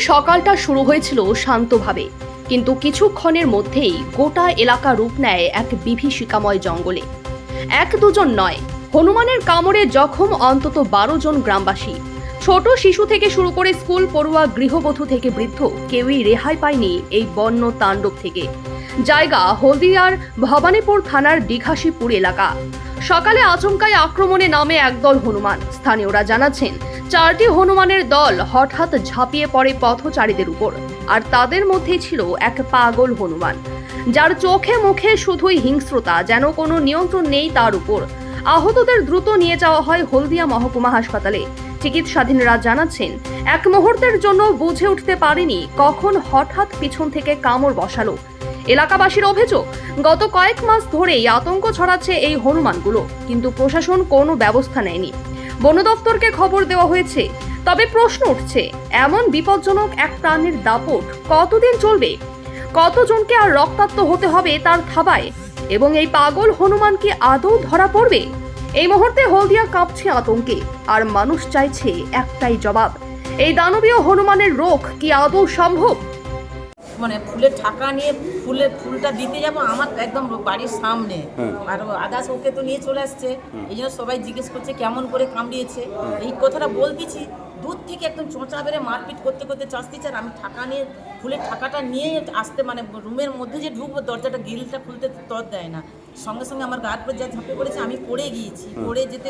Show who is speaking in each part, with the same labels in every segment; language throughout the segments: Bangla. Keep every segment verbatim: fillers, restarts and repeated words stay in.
Speaker 1: সকালটা শুরু হয়েছিল শান্তভাবে, কিন্তু কিছুক্ষণের মধ্যেই গোটা এলাকা রূপ নেয় এক বিভীষিকাময় জঙ্গলে। এক দুজন নয়, হনুমানের কামড়ে জখম অন্তত বারো জন গ্রামবাসী। ছোট শিশু থেকে শুরু করে স্কুল পড়ুয়া, গৃহবধূ থেকে বৃদ্ধ, কেউই রেহাই পায়নি এই বন্য তাণ্ডব থেকে। জায়গা হলদিয়ার ভবানীপুর থানার দীঘাশিপুর এলাকা। সকালে আচমকাই আক্রমণে নামে একদল হনুমান। স্থানীয়রা জানাচ্ছেন, চারটি হনুমানের দল হঠাৎ ঝাঁপিয়ে পড়ে পথচারীদের উপর। আর তাদের মধ্যে ছিল এক পাগল হনুমান, যার চোখে মুখে শুধুই হিংস্রতা, যেন কোনো নিয়ন্ত্রণ নেই তার উপর। আহতদের দ্রুত নিয়ে যাওয়া হয় হলদিয়া মহকুমা হাসপাতালে। চিকিৎসাধীনরা জানাচ্ছেন, এক মুহূর্তের জন্য বুঝে উঠতে পারেনি কখন হঠাৎ পিছন থেকে কামড় বসালো। এলাকাবাসীর অভিযোগ, গত কয়েক মাস ধরেই আতঙ্ক ছড়াচ্ছে এই হনুমানগুলো, কিন্তু প্রশাসন কোনো ব্যবস্থা নেয়নি। বন দফতরকে খবর দেওয়া হয়েছে, তবে প্রশ্ন উঠছে, এমন বিপজ্জনক এক প্রাণীর দাপট কতদিন চলবে? কতজনকে আর রক্তাক্ত হতে হবে তার থাবায়? এবং এই পাগল হনুমান কি আদৌ ধরা পড়বে? এই মুহূর্তে হলদিয়া কাঁপছে আতঙ্কে, আর মানুষ চাইছে একটাই জবাব, এই দানবীয় হনুমানের রোগ কি আদৌ সম্ভব?
Speaker 2: মানে ফুলের ঠাকা নিয়ে ফুলের ফুলটা দিতে যাব আমার একদম বাড়ির সামনে, আর আদার্স ওকে তো নিয়ে চলে আসছে। এই জন্য সবাই জিজ্ঞেস করছে কেমন করে কামড়িয়েছে। এই কথাটা বলতেছি, দূর থেকে একদম চোঁচা বেড়ে মারপিট করতে করতে চাষতেছে। আর আমি ঠাকা নিয়ে ফুলের ঠাকাটা নিয়ে আসতে, মানে রুমের মধ্যে যে ঢুকবো, দরজাটা গ্রিলটা খুলতে তর দেয় না। সঙ্গে সঙ্গে আমার গায়ের পর যা ঝাঁপে পড়েছে, আমি পড়ে গিয়েছি। পড়ে যেতে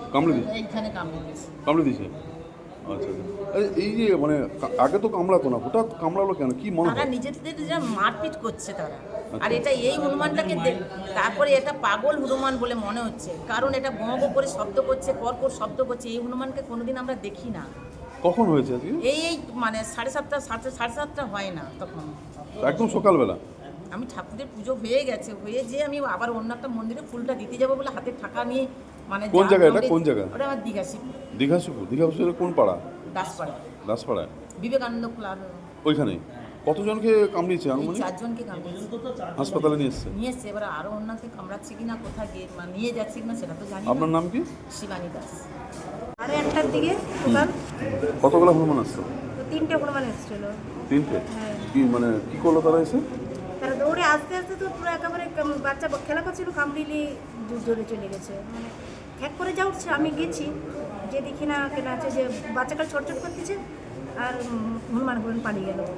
Speaker 2: এইখানে কামড়ে দিয়েছে
Speaker 3: কামড়ে দিয়েছে আচ্ছা, এই যে মানে আগে তো কামড়াতো না, হঠাৎ কামড়ালো কেন? কি মনে হয়?
Speaker 2: তারা নিজেদের যা মারপিট করছে তারা। আর এটা এই হনুমানটাকে তারপরে এটা পাগল হনুমান বলে মনে হচ্ছে, কারণ এটা গঁ গঁ করে শব্দ করছে, পরপর শব্দ করছে। এই হনুমানকে কোনোদিন আমরা দেখি না।
Speaker 3: কখন হয়েছে আজকে? এই
Speaker 2: এই মানে সাড়ে সাতটা সাড়ে সাড়ে সাতটা হয় না তখন,
Speaker 3: একদম সকালবেলা।
Speaker 2: আমি ঠাকুরের পুজো হয়ে গেছে, হয়ে যে আমি আবার অন্য একটা মন্দিরে ফুলটা দিতে যাবো বলে হাতে টাকা নিয়ে, মানে
Speaker 3: কোন জায়গা এটা? কোন জায়গা?
Speaker 2: ওটা আমার দীঘাশিপুর।
Speaker 3: দীঘাশিপুর? দীঘাশিপুরের কোন পাড়া?
Speaker 2: দাসপাড়া।
Speaker 3: দাসপাড়ায়
Speaker 2: বিবেকানন্দ ক্লাব
Speaker 3: ওইখানে। কতজনকে কামড়িয়েছে? আনুমানিক
Speaker 2: চারজনকে কামড়িয়েছে।
Speaker 3: হাসপাতালে নিয়ে এসছে?
Speaker 2: নিয়ে এসছে, এবার আরও অন্যকে কামড়াচ্ছে কিনা, কোথায় গিয়ে মানে নিয়ে যাচ্ছে কিনা সেটা তো জানি না।
Speaker 3: আপনার নাম কি?
Speaker 2: শিবানী দাস।
Speaker 4: আরে একটার দিকে দোকান।
Speaker 3: কতগুলো হনুমান আসছে?
Speaker 4: তিনটে হনুমান এসেছিল।
Speaker 3: তিনটে?
Speaker 4: হ্যাঁ।
Speaker 3: কি মানে কি করলো তারা এসে?
Speaker 4: তারা দৌড়ে আস্তে আস্তে তো পুরো একেবারে কাম- বাচ্চা খেলা করছিল, কামড়িলি জোরে চলে গেছে। মানে ঠ্যাক করে যা উঠছে, আমি গেছি যে দেখি না কেন আছে যে বাচ্চাটা ছটছট করতেছে, আর উম, হনুমান গুলো পালিয়ে গেল।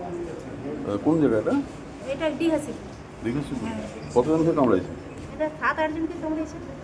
Speaker 3: কোন জায়গা এটা?
Speaker 4: এটা ডিহাসি।
Speaker 3: দীঘাশিপুর।
Speaker 4: হ্যাঁ।
Speaker 3: কতজনকে কামড়াইছে?
Speaker 4: এটা সাত আটজনকে কামড়িয়েছে।